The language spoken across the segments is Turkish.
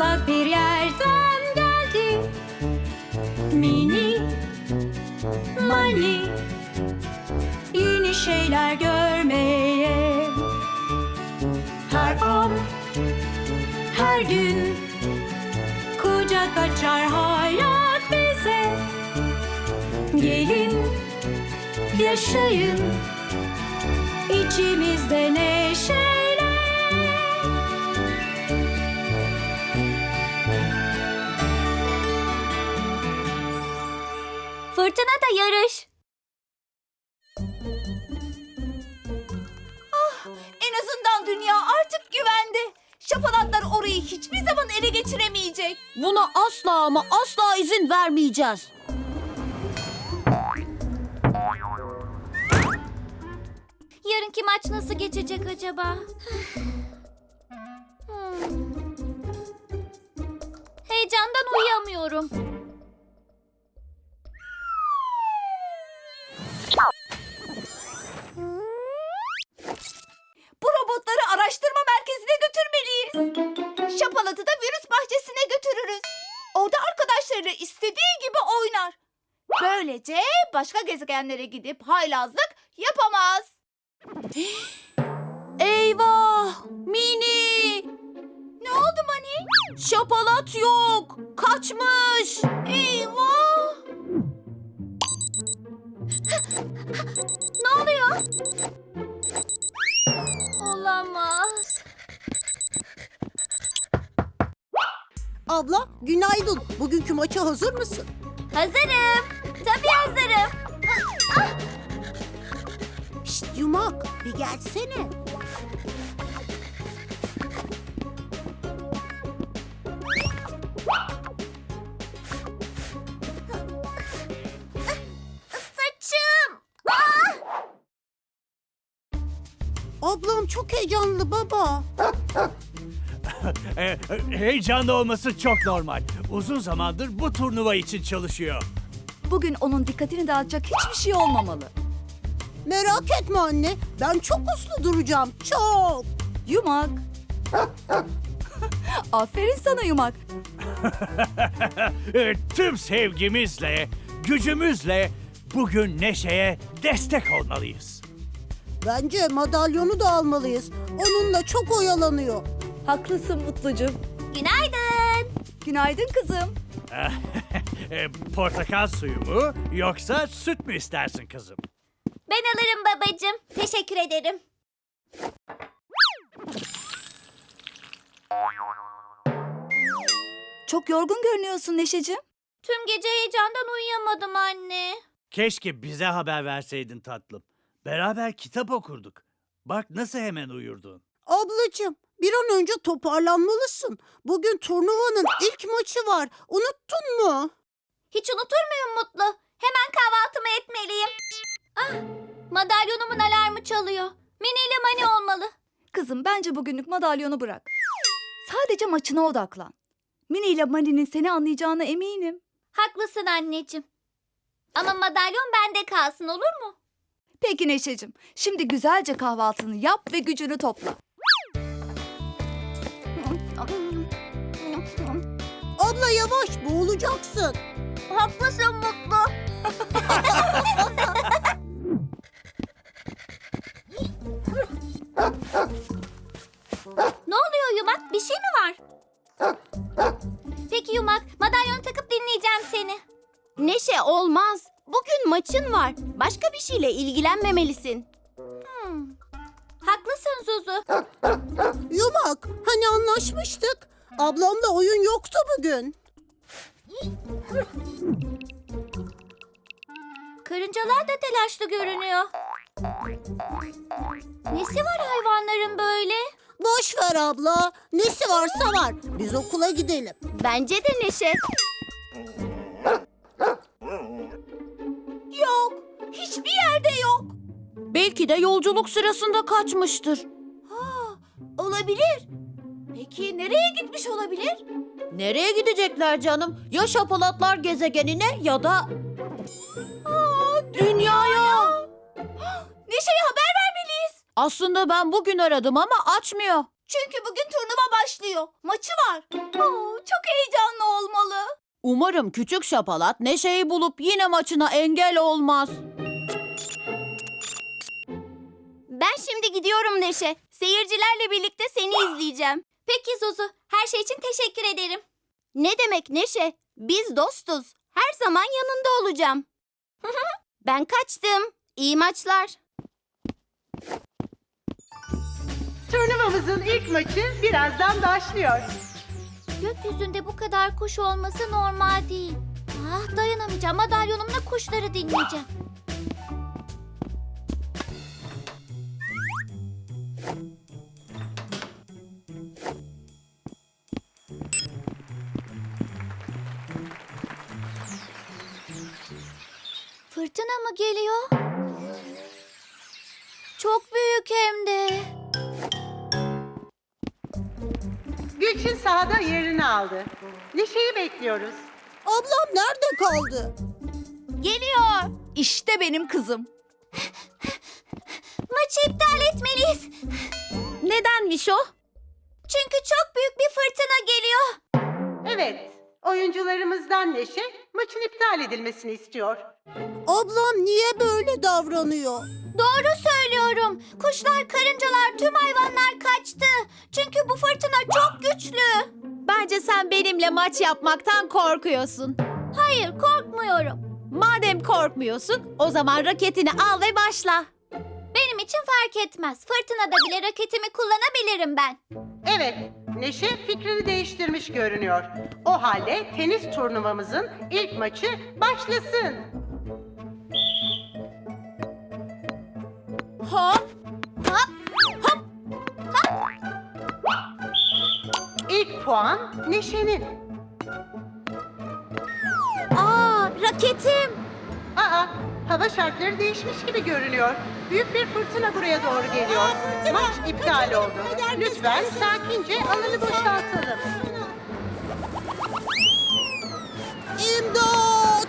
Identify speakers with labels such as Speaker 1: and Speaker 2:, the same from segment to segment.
Speaker 1: uzak bir yerden geldi. Mini Mani, yeni şeyler görmeye. Her an, her gün kucak açar hayat bize. Gelin, yaşayın içimizde neşeyle.
Speaker 2: Fırtına da yarış.
Speaker 3: En azından dünya artık güvende. Şapalatlar orayı hiçbir zaman ele geçiremeyecek.
Speaker 2: Buna asla ama asla izin vermeyeceğiz. Yarınki maç nasıl geçecek acaba? Heyecandan uyuyamıyorum.
Speaker 3: Bu robotları araştırma merkezine götürmeliyiz. Şapalat'ı da virüs bahçesine götürürüz. Orada arkadaşlarıyla istediği gibi oynar. Böylece başka gezegenlere gidip haylazlık yapamaz.
Speaker 2: Eyvah! Mini!
Speaker 3: Ne oldu Mani?
Speaker 2: Şapalat yok! Kaçmış!
Speaker 3: Eyvah!
Speaker 2: Ne oluyor? Olamaz.
Speaker 4: Abla, günaydın. Bugünkü maça hazır mısın?
Speaker 2: Hazırım. Tabii hazırım.
Speaker 4: Şşt Yumak, bir gelsene.
Speaker 2: Saçım!
Speaker 4: Ablam çok heyecanlı baba.
Speaker 5: Heyecanlı olması çok normal. Uzun zamandır bu turnuva için çalışıyor.
Speaker 3: Bugün onun dikkatini dağıtacak hiçbir şey olmamalı.
Speaker 4: Merak etme anne, ben çok uslu duracağım, çok.
Speaker 3: Yumak. Aferin sana Yumak.
Speaker 5: Tüm sevgimizle, gücümüzle bugün Neşe'ye destek olmalıyız.
Speaker 4: Bence madalyonu da almalıyız. Onunla çok oyalanıyor.
Speaker 3: Haklısın Mutlucuğum.
Speaker 2: Günaydın.
Speaker 3: Günaydın kızım.
Speaker 5: Portakal suyu mu yoksa süt mü istersin kızım?
Speaker 2: Ben alırım babacığım. Teşekkür ederim.
Speaker 3: Çok yorgun görünüyorsun Neşeciğim.
Speaker 2: Tüm gece heyecandan uyuyamadım anne.
Speaker 5: Keşke bize haber verseydin tatlım. Beraber kitap okurduk. Bak nasıl hemen uyurdun.
Speaker 4: Ablacığım, bir an önce toparlanmalısın. Bugün turnuvanın ilk maçı var. Unuttun mu?
Speaker 2: Hiç unutur muyum Mutlu? Hemen kahvaltımı etmeliyim. Ah, madalyonumun alarmı çalıyor. Mini ile Mani olmalı.
Speaker 3: Kızım bence bugünlük madalyonu bırak. Sadece maçına odaklan. Mini ile Mani'nin seni anlayacağına eminim.
Speaker 2: Haklısın anneciğim. Ama madalyon bende kalsın olur mu?
Speaker 3: Peki Neşeciğim, şimdi güzelce kahvaltını yap ve gücünü topla.
Speaker 4: Abla yavaş, boğulacaksın.
Speaker 2: Haklısın Mutlu. Ne oluyor Yumak? Bir şey mi var? Peki Yumak, madalyon takıp dinleyeceğim seni.
Speaker 6: Neşe olmaz. Bugün maçın var. Başka bir şeyle ilgilenmemelisin.
Speaker 2: Haklısın Zuzu.
Speaker 4: Yumak, hani anlaşmıştık? Ablamla oyun yoktu bugün.
Speaker 2: Karıncalar da telaşlı görünüyor. Nesi var hayvanların böyle?
Speaker 4: Boş ver abla. Nesi varsa var. Biz okula gidelim.
Speaker 6: Bence de Neşe.
Speaker 3: Yok, hiçbir yerde yok.
Speaker 2: Belki de yolculuk sırasında kaçmıştır.
Speaker 3: Olabilir. Peki nereye gitmiş olabilir?
Speaker 6: Nereye gidecekler canım? Ya şapalatlar gezegenine ya da... dünyaya.
Speaker 3: Neşe'ye haber vermeliyiz.
Speaker 2: Aslında ben bugün aradım ama açmıyor.
Speaker 3: Çünkü bugün turnuva başlıyor. Maçı var. Oo, çok heyecanlı olmalı.
Speaker 4: Umarım küçük şapalat Neşe'yi bulup yine maçına engel olmaz.
Speaker 6: Ben şimdi gidiyorum Neşe. Seyircilerle birlikte seni izleyeceğim.
Speaker 2: Peki Zuzu, her şey için teşekkür ederim.
Speaker 6: Ne demek Neşe? Biz dostuz. Her zaman yanında olacağım. Ben kaçtım. İyi maçlar.
Speaker 7: Turnuvamızın ilk maçı birazdan başlıyor.
Speaker 2: Gökyüzünde bu kadar kuş olması normal değil. Ah, dayanamayacağım. Madalyonumla kuşları dinleyeceğim. Fırtına mı geliyor? Çok büyük hem de.
Speaker 7: Gülçin sahada yerini aldı. Neşe'yi bekliyoruz.
Speaker 4: Ablam nerede kaldı?
Speaker 2: Geliyor.
Speaker 3: İşte benim kızım.
Speaker 2: Maçı iptal etmeliyiz.
Speaker 6: Nedenmiş o?
Speaker 2: Çünkü çok büyük bir fırtına geliyor.
Speaker 7: Evet, oyuncularımızdan Neşe maçın iptal edilmesini istiyor.
Speaker 4: Ablam niye böyle davranıyor?
Speaker 2: Doğru söylüyorum. Kuşlar, karıncalar, tüm hayvanlar kaçtı. Çünkü bu fırtına çok güçlü.
Speaker 6: Bence sen benimle maç yapmaktan korkuyorsun.
Speaker 2: Hayır, korkmuyorum.
Speaker 6: Madem korkmuyorsun, o zaman raketini al ve başla.
Speaker 2: Benim için fark etmez. Fırtınada bile raketimi kullanabilirim ben.
Speaker 7: Evet, Neşe fikrini değiştirmiş görünüyor. O halde tenis turnuvamızın ilk maçı başlasın.
Speaker 6: Hop.
Speaker 7: İlk puan Neşe'nin.
Speaker 6: Aa, raketim.
Speaker 7: Aa, hava şartları değişmiş gibi görünüyor. Büyük bir fırtına buraya doğru geliyor. Maç iptal oldu. Lütfen sakince alanı boşaltalım.
Speaker 4: İmdat!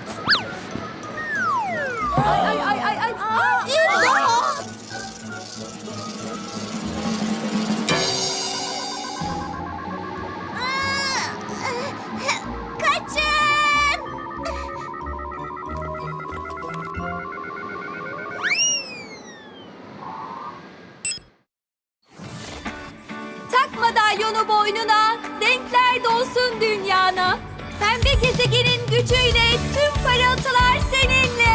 Speaker 3: Ay.
Speaker 4: İmdat!
Speaker 2: Kaçın! Tak madalyonu boynuna, renkler dolsun dünyana. Pembe gezegenin gücüyle tüm parıltılar seninle.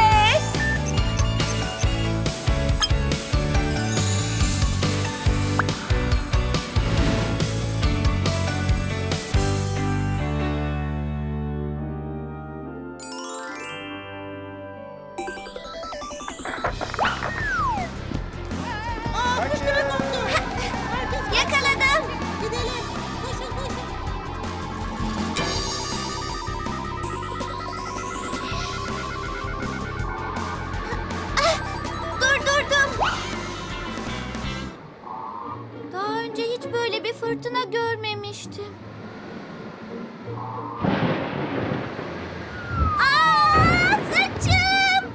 Speaker 2: Yakaladım.
Speaker 4: Gidelim. Koşun koşun.
Speaker 2: Durdurdum. Daha önce hiç böyle bir fırtına görmemiştim. Aa, saçım!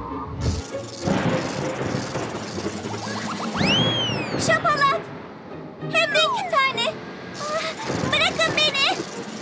Speaker 2: Şapalat! Hem de 2 tane. Ah, bırakın beni.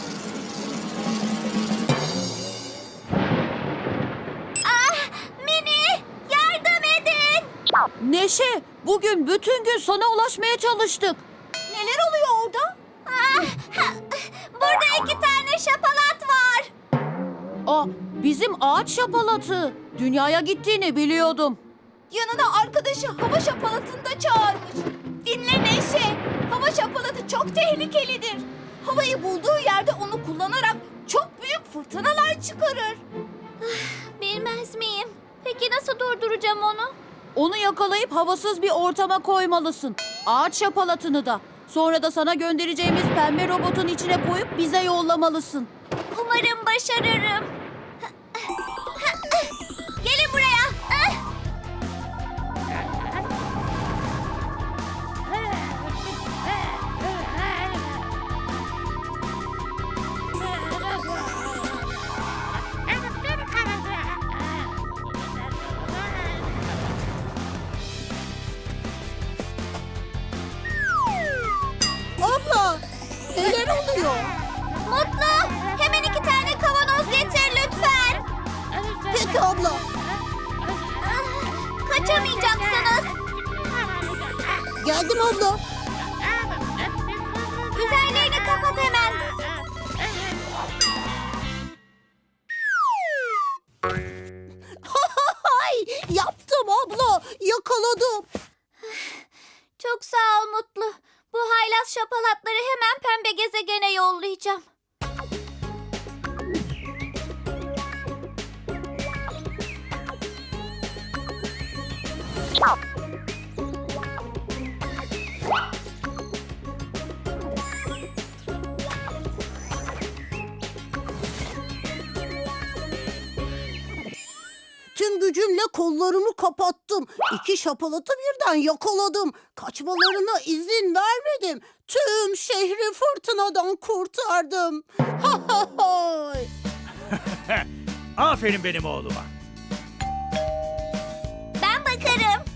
Speaker 2: Ah, Mini! Yardım edin!
Speaker 4: Neşe, bugün bütün gün sana ulaşmaya çalıştık.
Speaker 3: Neler oluyor orada?
Speaker 2: Ah, burada 2 tane şapalat var.
Speaker 4: Aa, bizim ağaç şapalatı. Dünyaya gittiğini biliyordum.
Speaker 3: Yanına arkadaşı hava şapalatını da çağırmış. Dinle Neşe. Hava şapalatı çok tehlikelidir. Havayı bulduğu yerde onu kullanarak çok büyük fırtınalar çıkarır.
Speaker 2: Bilmez miyim? Peki nasıl durduracağım onu?
Speaker 4: Onu yakalayıp havasız bir ortama koymalısın. Ağaç şapalatını da. Sonra da sana göndereceğimiz pembe robotun içine koyup bize yollamalısın.
Speaker 2: Umarım başarırım. Gelin buraya. Ah! Mutlu, hemen 2 tane kavanoz getir lütfen.
Speaker 4: Peki abla.
Speaker 2: Kaçamayacaksınız.
Speaker 4: Geldim abla.
Speaker 2: Üzerlerini kapat hemen.
Speaker 4: Ay, yaptım abla. Yakaladım.
Speaker 2: Çok sağ ol Mutlu. Bu haylaz şapalatları hemen pembe gezegene yollayacağım.
Speaker 4: Tüm gücümle kollarımı kapattım. 2 şapalatı birden yakaladım. Kaçmalarına izin vermedim. Tüm şehri fırtınadan kurtardım. Ha ha ha.
Speaker 5: Aferin benim oğluma.
Speaker 2: Ben bakarım.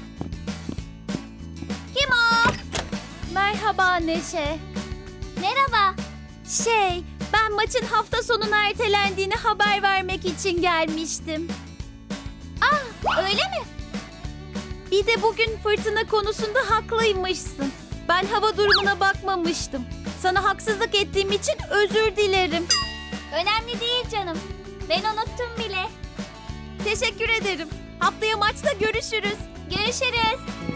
Speaker 2: Kim o?
Speaker 6: Merhaba Neşe.
Speaker 2: Merhaba.
Speaker 6: Ben maçın hafta sonuna ertelendiğini haber vermek için gelmiştim.
Speaker 2: Öyle mi?
Speaker 6: Bir de bugün fırtına konusunda haklıymışsın. Ben hava durumuna bakmamıştım. Sana haksızlık ettiğim için özür dilerim.
Speaker 2: Önemli değil canım. Ben unuttum bile.
Speaker 6: Teşekkür ederim. Haftaya maçta görüşürüz.
Speaker 2: Görüşürüz.